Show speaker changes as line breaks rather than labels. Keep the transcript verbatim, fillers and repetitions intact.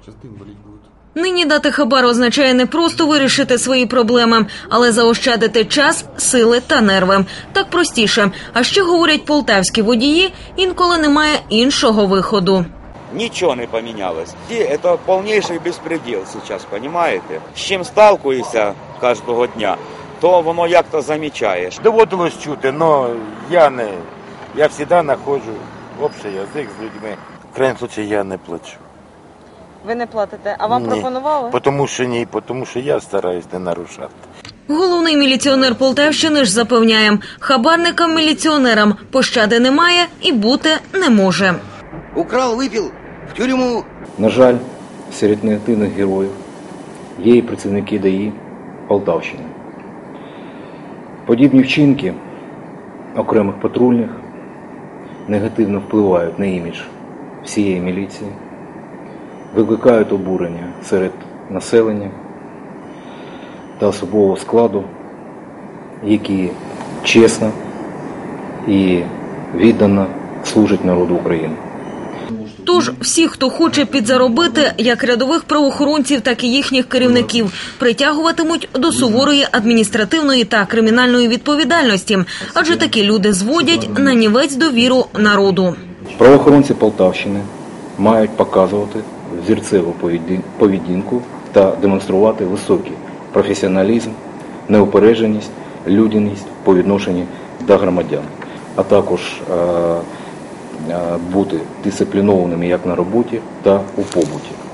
Нині дати хабар означає не просто вирішити свої проблеми, але заощадити час, сили та нерви. Так простіше. А ще, говорять полтавські водії, інколи немає іншого виходу.
Ничего не поменялось. Это полнейший беспредел сейчас, понимаете? З чим сталкуєшся кожного дня, то воно як-то замічаєш.
Доводилось чути, але я не, я завжди знаходжу общий язик з людьми. В крайньому випадку я не плачу.
Ви не платите, а вам
ні.
пропонували?
Тому що ні, тому що я стараюсь не нарушати.
Головний міліціонер Полтавщини ж запевняє, хабарникам-міліціонерам пощади немає і бути не може.
Украл, випив, в тюрму.
На жаль, серед негативних героїв є і працівники ДАІ Полтавщини. Подібні вчинки окремих патрульних негативно впливають на імідж всієї міліції, викликають обурення серед населення та особового складу, які чесно і віддано служать народу України.
Тож всі, хто хоче підзаробити, як рядових правоохоронців, так і їхніх керівників, притягуватимуть до суворої адміністративної та кримінальної відповідальності, адже такі люди зводять нанівець довіру народу.
Правоохоронці Полтавщини мають показувати взірцеву поведінку та демонструвати високий професіоналізм, неупередженість, людяність по відношенню до громадян, а також бути дисциплінованими як на роботі та у побуті.